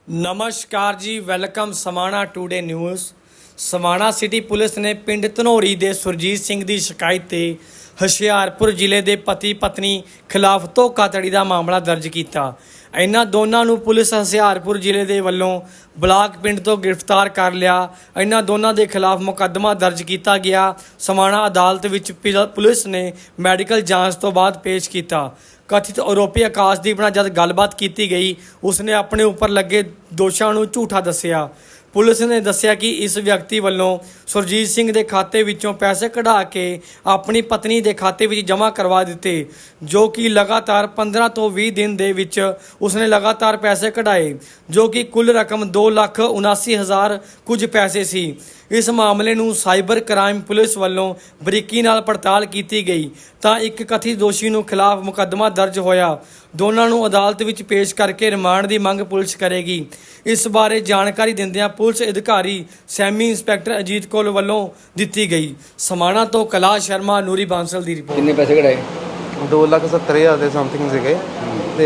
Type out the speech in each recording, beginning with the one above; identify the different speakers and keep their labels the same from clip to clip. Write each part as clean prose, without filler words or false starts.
Speaker 1: नमस्कार ji, welcome Samana today news. Samana city police ने पिंड धनौरी ਦੇ ਸੁਰਜੀਤ ਸਿੰਘ ਦੀ ਸ਼ਿਕਾਇਤ ਤੇ ਹੁਸ਼ਿਆਰਪੁਰ ਜ਼ਿਲ੍ਹੇ ਦੇ ਪਤੀ ਪਤਨੀ ਖਿਲਾਫ ਧੋਖਾਧੜੀ ਦਾ ਮਾਮਲਾ ਦਰਜ ਕੀਤਾ। ਇਹਨਾਂ ਦੋਨਾਂ ਨੂੰ ਪੁਲਿਸ ਹੁਸ਼ਿਆਰਪੁਰ ਜ਼ਿਲ੍ਹੇ ਦੇ ਵੱਲੋਂ ਬਲਾਕ ਪਿੰਡ ਤੋਂ ਗ੍ਰਿਫਤਾਰ ਕਰ ਲਿਆ। ਇਹਨਾਂ ਦੋਨਾਂ ਦੇ ਖਿਲਾਫ ਮੁਕੱਦਮਾ ਦਰਜ ਕੀਤਾ ਗਿਆ। समाणा अदालत ਵਿੱਚ ਪੁਲਿਸ ਨੇ ਮੈਡੀਕਲ ਜਾਂਚ ਤੋਂ ਬਾਅਦ ਪੇਸ਼ ਕੀਤਾ। कथित आरोपी आकाशदीप ਨਾਲ जब गलबात की गई, उसने अपने उपर लगे दोषों को झूठा दसिया। पुलिस ने दसिया कि इस व्यक्ति वालों सुरजीत सिंह के खाते विचों पैसे कढ़ा के अपनी पत्नी के खाते में जमा करवा दिते, जो कि लगातार 15 तो 20 दिन दे विच उसने लगातार पैसे कढ़ाए, जो कि कुल रकम 2,79,000 कुछ पैसे सी। इस मामले नूं साइबर क्राइम पुलिस वालों बरीकी नाल पड़ताल की गई तो एक कथित दोषी नूं खिलाफ मुकदमा दर्ज होया। दोनों नूं अदालत विच पेश करके रिमांड की मंग पुलिस करेगी। इस बारे जानकारी दिंदियां पुलिस अधिकारी सैमी इंस्पैक्टर अजीत कौल वालों दी गई। समाणा तो कैलाश शर्मा, ਨੂਰੀ ਬਾਂਸਲ ਦੀ रिपोर्ट।
Speaker 2: कितने पैसे कढ़ाए?
Speaker 3: 2,70,000 ਦੇ ਸਮਥਿੰਗ ਸੀਗੇ ਤੇ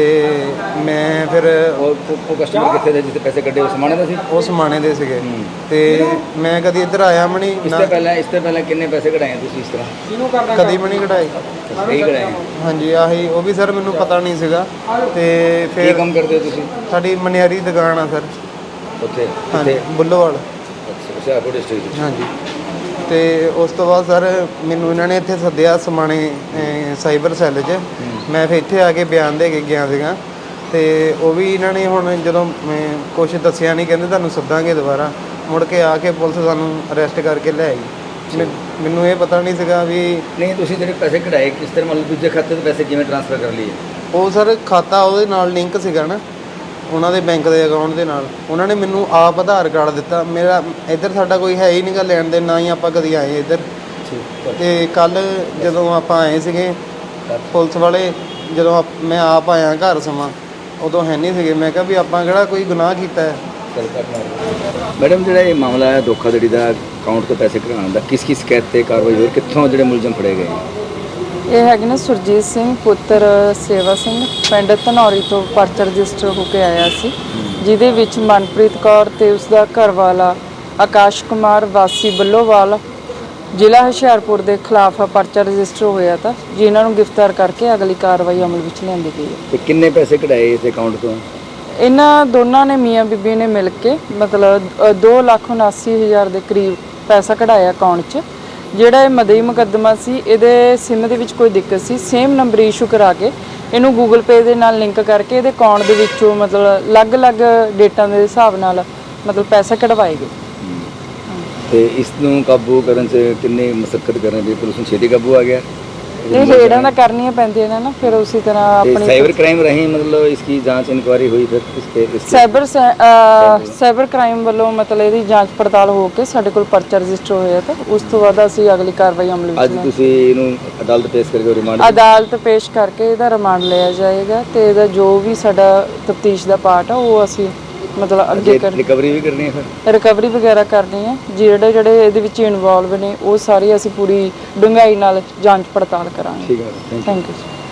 Speaker 3: ਮੈਂ ਫਿਰ
Speaker 2: ਉਹ ਕਸਟਮਰ ਕਿੱਥੇ ਦੇ ਜਿੱਥੇ ਪੈਸੇ ਕੱਢੇ? ਉਹ ਸਮਾਣੇ ਦਾ ਸੀ?
Speaker 3: ਉਹ ਸਮਾਣੇ ਦੇ ਸੀਗੇ ਤੇ ਮੈਂ ਕਦੀ ਇੱਧਰ ਆਇਆ ਵੀ ਨਹੀਂ
Speaker 2: ਇਸ ਤੋਂ ਪਹਿਲਾਂ ਕਿੰਨੇ ਪੈਸੇ ਕਢਾਏ ਤੁਸੀਂ ਇਸ ਤਰ੍ਹਾਂ?
Speaker 3: ਕਦੀ ਵੀ ਨਹੀਂ ਕਢਾਏ।
Speaker 2: ਸਹੀ ਕਢਾਏ?
Speaker 3: ਹਾਂਜੀ, ਆਹੀ ਉਹ ਵੀ ਸਰ ਮੈਨੂੰ ਪਤਾ ਨਹੀਂ ਸੀਗਾ। ਤੇ
Speaker 2: ਕੀ
Speaker 3: ਫਿਰ
Speaker 2: ਕੰਮ ਕਰਦੇ ਹੋ ਤੁਸੀਂ?
Speaker 3: ਸਾਡੀ ਮਨਿਆਰੀ ਦੁਕਾਨ ਆ ਸਰ
Speaker 2: ਉੱਥੇ
Speaker 3: ਹਾਂਜੀ, ਬੁੱਲੋਵਾਲ।
Speaker 2: ਅੱਛਾ, ਹੁਸ਼ਿਆਰਪੁਰ ਡਿਸਟ੍ਰਿਕਟ।
Speaker 3: ਹਾਂਜੀ, ਤੇ ਉਸ ਤੋਂ ਬਾਅਦ ਸਰ ਮੈਨੂੰ ਇਹਨਾਂ ਨੇ ਇੱਥੇ ਸੱਦਿਆ ਸਮਾਣੇ ਸਾਈਬਰ ਸੈੱਲ 'ਚ। ਮੈਂ ਫਿਰ ਇੱਥੇ ਆ ਕੇ ਬਿਆਨ ਦੇ ਕੇ ਗਿਆ ਸੀਗਾ ਤੇ ਉਹ ਵੀ ਇਹਨਾਂ ਨੇ ਹੁਣ ਜਦੋਂ ਕੁਛ ਦੱਸਿਆ ਨਹੀਂ, ਕਹਿੰਦੇ ਤੁਹਾਨੂੰ ਸੱਦਾਂਗੇ ਦੁਬਾਰਾ। ਮੁੜ ਕੇ ਆ ਕੇ ਪੁਲਿਸ ਸਾਨੂੰ ਅਰੈਸਟ ਕਰਕੇ ਲੈ ਆਈ। ਮੈਨੂੰ ਇਹ ਪਤਾ ਨਹੀਂ ਸੀਗਾ ਵੀ
Speaker 2: ਨਹੀਂ ਤੁਸੀਂ ਜਿਹੜੇ ਪੈਸੇ ਕਢਾਏ ਕਿਸ ਤਰ੍ਹਾਂ, ਮਤਲਬ ਦੂਜੇ ਖਾਤੇ ਤੋਂ ਪੈਸੇ ਕਿਵੇਂ ਟ੍ਰਾਂਸਫਰ ਕਰ ਲਈਏ?
Speaker 3: ਉਹ ਸਰ ਖਾਤਾ ਉਹਦੇ ਨਾਲ ਲਿੰਕ ਸੀਗਾ ਨਾ, ਉਹਨਾਂ ਦੇ ਬੈਂਕ ਦੇ ਅਕਾਊਂਟ ਦੇ ਨਾਲ। ਉਹਨਾਂ ਨੇ ਮੈਨੂੰ ਆਪ ਆਧਾਰ ਕਾਰਡ ਦਿੱਤਾ। ਮੇਰਾ ਇੱਧਰ ਸਾਡਾ ਕੋਈ ਹੈ ਹੀ ਨਹੀਂਗਾ ਲੈਣ ਦੇ, ਨਾ ਹੀ ਆਪਾਂ ਕਦੀ ਆਏ ਇੱਧਰ। ਤੇ ਕੱਲ ਜਦੋਂ ਆਪਾਂ ਆਏ ਸੀਗੇ ਪੁਲਿਸ ਵਾਲੇ, ਜਦੋਂ ਮੈਂ ਆਪ ਆਇਆ ਘਰ ਸਮਾਂ, ਉਦੋਂ ਹੈ ਨਹੀਂ ਸੀਗੇ। ਮੈਂ ਕਿਹਾ ਵੀ ਆਪਾਂ ਕਿਹੜਾ ਕੋਈ ਗੁਨਾਹ ਕੀਤਾ ਹੈ।
Speaker 2: ਮੈਡਮ, ਜਿਹੜਾ ਇਹ ਮਾਮਲਾ ਹੈ ਧੋਖਾਧੜੀ ਦਾ, ਅਕਾਊਂਟ ਤੋਂ ਪੈਸੇ ਕਢਾਉਣ ਦਾ, ਕਿਸ ਸ਼ਿਕਾਇਤ ਤੇ ਕਾਰਵਾਈ ਹੋਈ, ਕਿੱਥੋਂ ਜਿਹੜੇ ਮੁਲਜ਼ਮ ਫੜੇ ਗਏ?
Speaker 4: ਇਹ ਹੈਗੇ ਨੇ ਸੁਰਜੀਤ ਸਿੰਘ ਪੁੱਤਰ ਸੇਵਾ ਸਿੰਘ, ਪਿੰਡ ਧਨੌਰੀ ਤੋਂ ਪਰਚਾ ਰਜਿਸਟਰ ਹੋ ਕੇ ਆਇਆ ਸੀ, ਜਿਹਦੇ ਵਿੱਚ ਮਨਪ੍ਰੀਤ ਕੌਰ ਤੇ ਉਸਦਾ ਘਰਵਾਲਾ ਆਕਾਸ਼ ਕੁਮਾਰ ਵਾਸੀ ਬੱਲੋਵਾਲ ਜ਼ਿਲ੍ਹਾ ਹੁਸ਼ਿਆਰਪੁਰ ਦੇ ਖਿਲਾਫ ਪਰਚਾ ਰਜਿਸਟਰ ਹੋਇਆ ਤਾਂ, ਜਿਨ੍ਹਾਂ ਨੂੰ ਗ੍ਰਿਫਤਾਰ ਕਰਕੇ ਅਗਲੀ ਕਾਰਵਾਈ ਅਮਲ ਵਿੱਚ ਲਿਆਂਦੀ ਗਈ ਹੈ।
Speaker 2: ਤੇ ਕਿੰਨੇ ਪੈਸੇ ਕਢਾਏ ਇਸ ਅਕਾਊਂਟ ਤੋਂ?
Speaker 4: ਇਹਨਾਂ ਦੋਨਾਂ ਨੇ ਮੀਆਂ ਬੀਬੀ ਨੇ ਮਿਲ ਕੇ ਮਤਲਬ 2,79,000 ਦੇ ਕਰੀਬ ਪੈਸਾ ਕਢਾਇਆ ਅਕਾਊਂਟ 'ਚ। ਜਿਹੜਾ ਇਹ ਮਦਈ ਮੁਕੱਦਮਾ ਸੀ, ਇਹਦੇ ਸਿਮ ਦੇ ਵਿੱਚ ਕੋਈ ਦਿੱਕਤ ਸੀ, ਸੇਮ ਨੰਬਰ ਇਸ਼ੂ ਕਰਾ ਕੇ ਇਹਨੂੰ ਗੂਗਲ ਪੇ ਦੇ ਨਾਲ ਲਿੰਕ ਕਰਕੇ ਇਹਦੇ ਅਕਾਊਂਟ ਦੇ ਵਿੱਚੋਂ ਮਤਲਬ ਅਲੱਗ-ਅਲੱਗ ਡੇਟਾਂ ਦੇ ਹਿਸਾਬ ਨਾਲ ਮਤਲਬ ਪੈਸੇ ਕਢਵਾਏ ਗਏ।
Speaker 2: ਤੇ ਇਸ ਨੂੰ ਕਾਬੂ ਕਰਨ 'ਚ ਕਿੰਨੀ ਮਸ਼ੱਕਤ ਕਰਨ ਦੀ ਪੁਲਿਸ ਨੂੰ ਛੇਤੀ ਕਾਬੂ ਆ ਗਿਆ?
Speaker 4: ਇਹ ਰੇਡਾਂ ਤਾਂ ਕਰਨੀਆਂ ਪੈਂਦੀਆਂ ਨੇ ਨਾ, ਫਿਰ ਉਸੇ ਤਰ੍ਹਾਂ ਆਪਣੀ
Speaker 2: ਸਾਈਬਰ क्राइम रही, मतलब इसकी जांच इंक्वायरी हुई, फिर
Speaker 4: ਸਾਈਬਰ ਕ੍ਰਾਈਮ ਵੱਲੋਂ ਮਤਲਬ ਇਹਦੀ ਜਾਂਚ ਪੜਤਾਲ ਹੋ ਕੇ ਸਾਡੇ ਕੋਲ ਪਰਚਾ ਰਜਿਸਟਰ ਹੋਇਆ ਤਾਂ ਉਸ ਤੋਂ ਬਾਅਦ ਅਸੀਂ ਅਗਲੀ ਕਾਰਵਾਈ ਅਮਲ ਵਿੱਚ
Speaker 2: ਅੱਜ ਤੁਸੀਂ ਇਹਨੂੰ ਅਦਾਲਤ ਪੇਸ਼ ਕਰਕੇ ਰਿਮਾਂਡ
Speaker 4: ਅਦਾਲਤ ਪੇਸ਼ ਕਰਕੇ ਇਹਦਾ ਰਿਮਾਂਡ ਲਿਆ ਜਾਏਗਾ ਤੇ ਇਹਦਾ ਜੋ ਵੀ ਸਾਡਾ ਤਫਤੀਸ਼ ਦਾ ਪਾਰਟ ਆ ਉਹ ਅਸੀਂ ਮਤਲਬ ਅੱਗੇ
Speaker 2: ਰਿਕਵਰੀ ਵੀ ਕਰਨੀ ਹੈ, ਫਿਰ
Speaker 4: ਰਿਕਵਰੀ ਵਗੈਰਾ ਕਰਨੀ ਹੈ। ਜਿਹੜੇ ਇਹਦੇ ਵਿੱਚ ਇਨਵੋਲਵ ਨੇ ਉਹ ਸਾਰੀ ਅਸੀਂ ਪੂਰੀ ਡੂੰਘਾਈ ਨਾਲ ਜਾਂਚ ਪੜਤਾਲ ਕਰਾਂਗੇ।
Speaker 2: ਠੀਕ ਹੈ,
Speaker 4: ਥੈਂਕ ਯੂ।